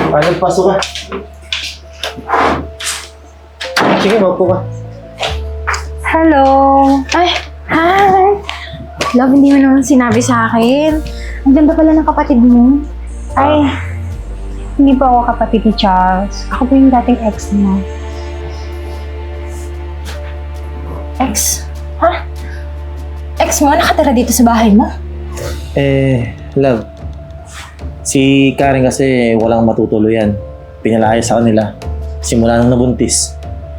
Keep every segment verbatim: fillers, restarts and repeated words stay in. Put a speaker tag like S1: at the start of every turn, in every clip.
S1: Ah, nagpasok ka. Sige, maupo ka.
S2: Hello!
S3: Ay, hi! Love, hindi mo naman sinabi sa akin. Ang ganda pala ng kapatid mo.
S2: Ay, hindi po ako kapatid ni Charles. Ako po yung dating ex niya.
S3: Ex? Ha? Ex mo? Nakatira dito sa bahay mo?
S1: Eh, love. Si Karen kasi walang matutuluyan. Pinalaya sa kanila. Simula nang nabuntis.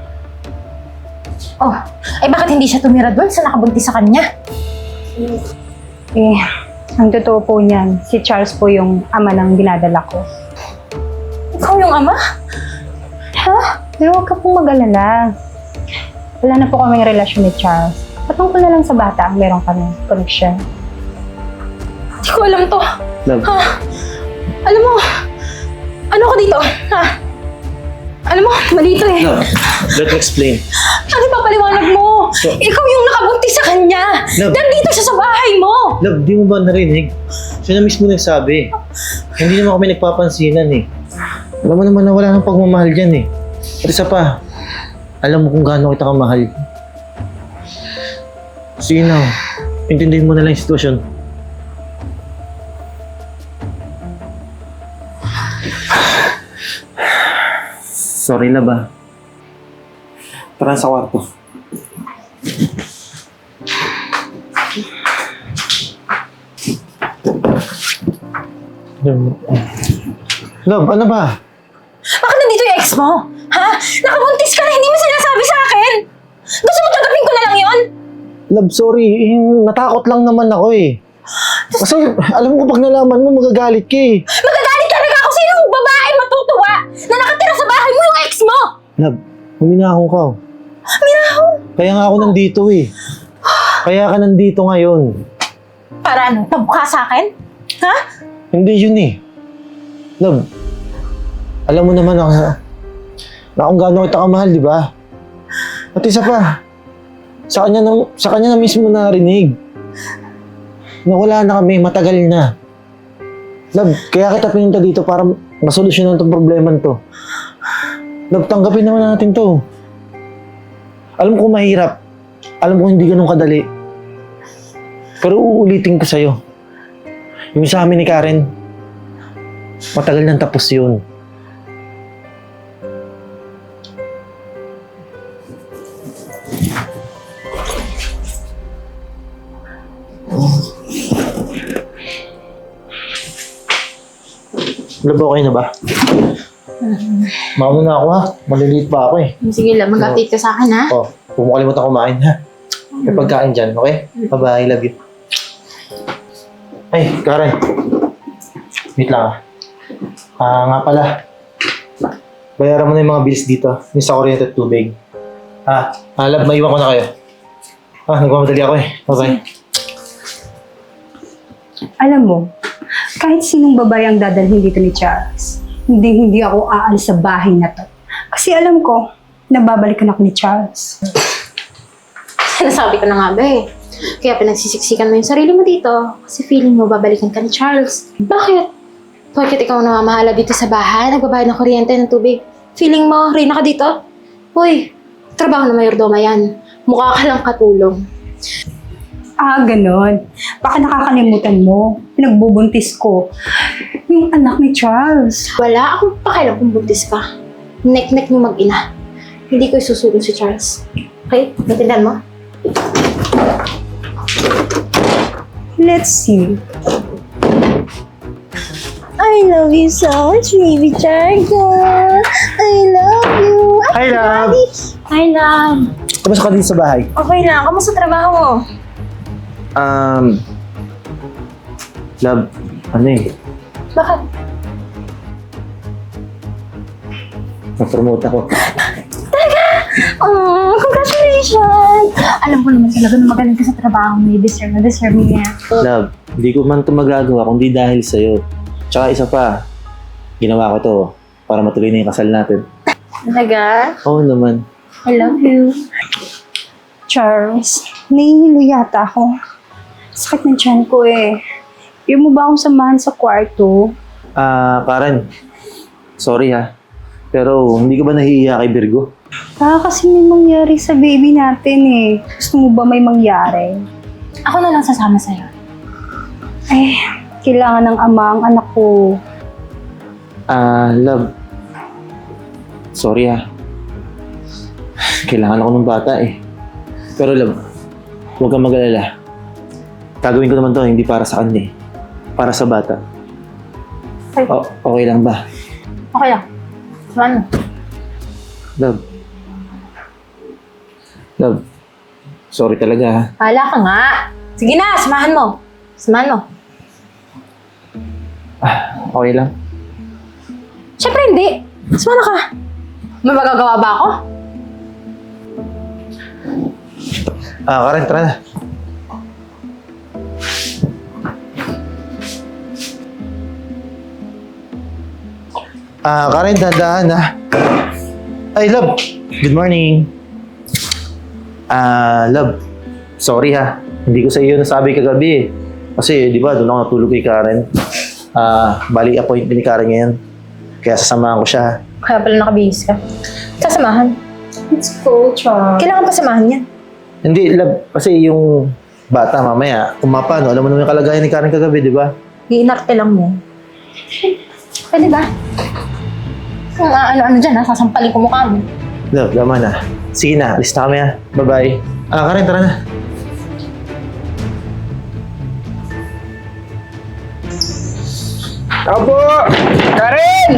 S3: Oh, ay bakit hindi siya tumira doon sa nakabuntis sa kanya?
S2: Eh, ang totoo po niyan, si Charles po yung ama ng dinadala ko.
S3: Ikaw yung ama?
S2: Ha? Pero huwag ka pong mag-alala. Wala na po kaming relasyon ni Charles. Patungkol na lang sa bata ang meron kaming connection.
S3: Hindi ko alam to.
S1: Love.
S3: Ha? Alam mo, ano ko dito? Ha? Alam mo, mali ito eh.
S1: Love, let me explain.
S3: Ano ba paliwanag mo?
S1: So-
S3: Ikaw yung nakabuntis sa kanya.
S1: Love.
S3: Nandito siya sa bahay mo.
S1: Love, di mo ba narinig? Siya na mismo nagsabi. Hindi naman kami nagpapansinan eh. Alam mo naman na wala nang pagmamahal dyan eh. At isa pa, alam mo kung gaano kita kamahal. Sige na, intindihin mo na lang yung sitwasyon. Sorry na ba? Tara sa kwarto. Love, ano ba?
S3: Bakit nandito yung ex mo? Ha? Nakabuntis ka na, hindi mo sinasabi sa akin. Gusto mo tanggapin ko na lang yon?
S1: Love, sorry. Eh, natakot lang naman ako eh. Kasi alam mo pag nalaman mo magagalit ka eh.
S3: Magagalit talaga ako sa yung babae matutuwa na nakatira sa bahay mo yung ex mo.
S1: Love, huminahon ka. oh.
S3: Minahon.
S1: Kaya nga ako nandito eh. Kaya ka nandito ngayon.
S3: Para ano? Tabuka sa akin? Ha?
S1: Hindi yun eh. Love, alam mo naman ako na, na kung gaano kita kamahal, di ba? At isa pa, sa kanya na, sa kanya na mismo narinig. Na wala na kami, matagal na. Love, kaya kita pinunta dito para masolusyonan itong problema to. Love, tanggapin naman natin to. Alam ko mahirap. Alam ko hindi ganun kadali. Pero uulitin ko sa'yo. Yung sa amin ni Karen, matagal nang tapos yun. Love, okay na ba? Mauna na ako ha. Maliliit pa ako eh.
S3: Sige lang, mag-update ka sa akin ha.
S1: Oh, huwag mo kalimutan kumain ha. May pagkain dyan, okay? Bye-bye, love you. Ay, Karen. Wait lang ah. Ah, nga pala. Bayaran mo na yung mga bills dito. Yung sa kuryente at tubig. Ah, ah love, maiwan ko na kayo. Ah, nagmamadali ako eh. Bye-bye.
S2: Alam mo, kahit sinong babae ang dadalhin dito ni Charles, hindi hindi ako aalis sa bahay na to. Kasi alam ko, nababalikan ako ni Charles.
S3: Sinasabi ko na nga ba eh. Kaya pinagsisiksikan mo yung sarili mo dito kasi feeling mo babalikan ka ni Charles. Bakit? Bakit ikaw namamahala dito sa bahay, nagbabayad ng kuryente, ng tubig? Feeling mo, reyna ka dito? Uy, trabaho na mayordoma yan. Mukha ka lang katulong.
S2: Ah, ganon. Baka nakakalimutan mo. Pinagbubuntis ko. Yung anak ni Charles.
S3: Wala akong pakialam kung buntis ka. Nek-nek niyo mag-ina. Hindi ko isusulong si Charles. Okay? Natindan mo?
S2: Let's see.
S3: I love you so much, baby Charles. I love you.
S1: Hi, love!
S3: Hi, love.
S1: Kamusta ka dito sa bahay?
S3: Okay lang. Kamusta trabaho mo?
S1: Um, love, ano eh,
S3: Bakit?
S1: na-promote ako.
S3: Oh, congratulations! Alam ko naman talaga na magaling ka sa trabaho mo. Deserve na deserve mo yan.
S1: Love, hindi ko man ito magagawa kundi dahil sa'yo. Tsaka isa pa, ginawa ko to para matuloy na yung kasal natin.
S3: Talaga?
S1: Oo naman.
S3: I love you.
S2: Charles, nahihilo yata ako. Sakit ng tiyan ko eh. Pwede mo ba akong samahan sa kwarto?
S1: Ah, Karen, sorry ha. Pero hindi ka ba nahihiya kay Virgo?
S2: Baka kasi may mangyari sa baby natin eh. Gusto mo ba may mangyari?
S3: Ako na lang sasama sa'yo.
S2: Eh, kailangan ng ama ang anak ko.
S1: Ah, love. Sorry ha. Kailangan ako ng bata eh. Pero love, huwag kang mag-alala. Gagawin ko naman to, hindi para sa kanya eh. Para sa bata.
S3: Ay.
S1: O, okay lang ba?
S3: Okay lang. Samahan mo.
S1: Love. Love. Sorry talaga ha.
S3: Hala ka nga. Sige na, samahan mo. Samahan mo.
S1: Okay lang.
S3: Siyempre hindi. Sumama ka. May magagawa ba ako?
S1: Ah, Karen, tara na. Ah, Karen, dahan-dahan ha. Ay, love. Good morning. Ah, love. Sorry ha. Hindi ko sa iyo nasabi kagabi eh. Kasi, di ba, doon ako natulog kay Karen. Ah, bali appointment ni Karen ngayon. Kaya sasamahan ko siya ha.
S3: Kaya pala nakabihis ka. Sasamahan.
S2: Let's go, Char.
S3: Kailangan pa samahan yan.
S1: Hindi, love. Kasi yung bata mamaya, kung mapano, alam mo naman yung kalagayan ni Karen kagabi, di ba?
S3: Iinarte lang mo. Pwede ba? Kung ano-ano dyan ha, sasampalin ko mukha mo.
S1: Love, tama na. Sige na, alis na kami ha. Bye-bye. Ah, Karen, tara na.
S4: Ako po! Karen!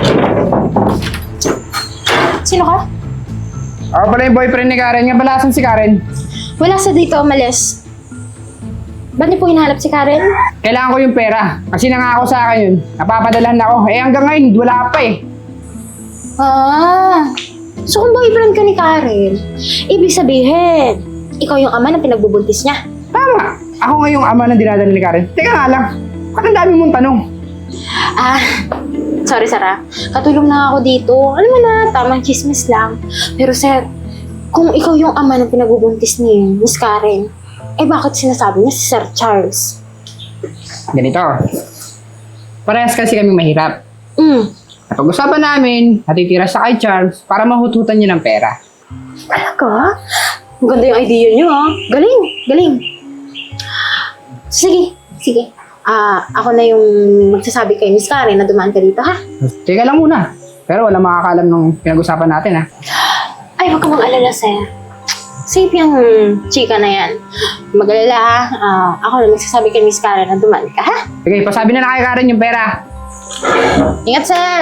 S3: Sino ka?
S4: Ako pala yung boyfriend ni Karen. Nga pala, asan si Karen?
S3: Wala sa dito, umalis. Ba't niyo po hinahanap si Karen?
S4: Kailangan ko yung pera. Kasi nangako sa akin yun. Napapadalahan ako. Eh hanggang ngayon, wala pa eh.
S3: Ah, so kung boyfriend ka ni Karen, ibig sabihin, ikaw yung ama na pinagbubuntis niya.
S4: Tama! Ako nga yung ama ng dinadala ni Karen. Teka nga lang. Ba't ang dami mong tanong?
S3: Ah, sorry Sarah. Katulong na ako dito. Alam mo na, tamang chismis lang. Pero sir, kung ikaw yung ama ng pinagbubuntis ni Miss Karen, eh bakit sinasabi niya si Sir Charles?
S4: Ganito. Parehas kasi kami mahirap.
S3: Hmm,
S4: Napag-usapan namin, natitira siya kay Charles para mahututan niya ng pera.
S3: talaga? Maganda yung idea niyo ah. Galing, galing. Sige, sige. Ah, ako na yung magsasabi kay Miss Karen na dumaan ka dito ha.
S4: Teka lang muna. Pero wala makakalam nung pinag-usapan natin ha.
S3: Ay, huwag ka mang alala, sir. Safe yung chika na yan. Mag-alala ha. Ah, ako na magsasabi kay Miss Karen na dumaan ka, ha?
S4: Sige, pasabi na na kay Karen yung pera.
S3: Ingat, sir!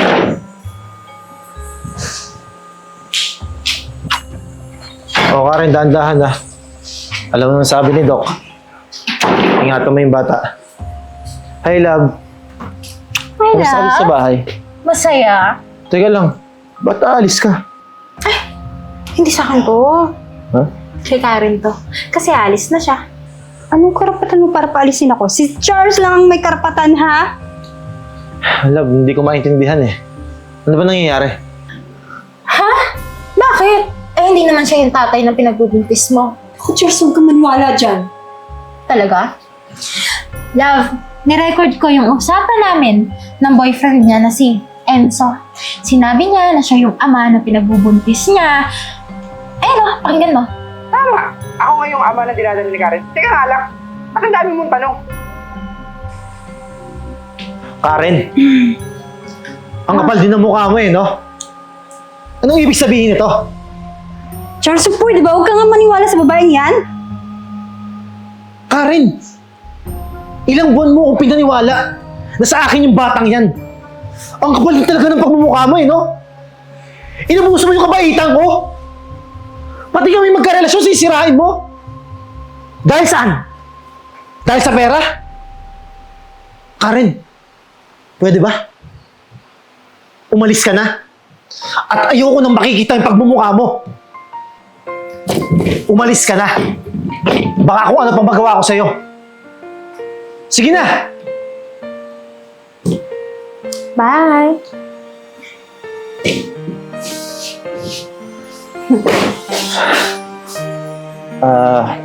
S1: O, Karen, dahan-dahan ha. Alam mo naman sabi ni Doc. Ingatan mo yung bata. Hi, love.
S3: Hi,
S1: Kamusta ka dito sa bahay?
S3: Masaya.
S1: Teka lang, ba't aalis ka?
S3: Hindi sa akin to.
S1: Ha?
S3: Kay Karen to. Kasi alis na siya.
S2: Anong karapatan mo para paalisin ako? Si Charles lang ang may karapatan, ha?
S1: Love, hindi ko maintindihan eh. Ano ba nangyayari?
S3: Ha? Bakit? Eh, hindi naman siya yung tatay na pinagbubuntis mo.
S2: Ako, Charles, huwag kang maniwala dyan.
S3: Talaga? Love, nirecord ko yung usapan namin ng boyfriend niya na si Enzo. Sinabi niya na siya yung ama na pinagbubuntis niya. Ayun o, pakinggan mo.
S4: Tama. Ako nga yung ama ng dinadala ni Karen. Teka nga lang. Ba't ang dami mong tanong?
S1: Karen! Ang kapal din ng mukha mo eh, no? Anong ibig sabihin nito?
S2: Charles, pwede ba? Huwag kang nga maniwala sa babaeng yan.
S1: Karen! Ilang buwan mo akong pinaniwala na sa akin yung batang yan. Ang kapal din talaga ng pagmumukha mo eh, no? Inabuso mo yung kabaitan ko. Pati kami magkarelasyon, sisirain mo. Dahil saan? Dahil sa pera? Karen, pwede ba? Umalis ka na. At ayoko nang makikita yung pagmumukha mo. Umalis ka na. Baka kung ano pang magawa ko sa'yo. Sige na!
S3: Bye!
S1: Ah...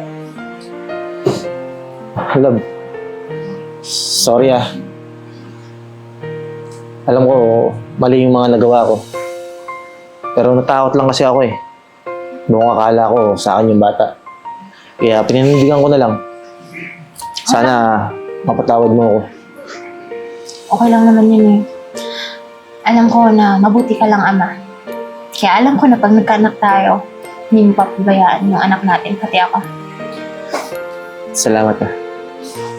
S1: love. Sorry ah. Alam ko, mali yung mga nagawa ko. Pero natakot lang kasi ako eh. Noong akala ko sa akin yung bata. Kaya pinanindigan ko na lang. Sana mapatawad mo ako.
S3: Okay lang naman yun eh. Alam ko na mabuti ka lang, Ama. Kaya alam ko na pag nagkaanak tayo, hindi mo papabayaan yung anak natin, pati ako.
S1: Salamat na.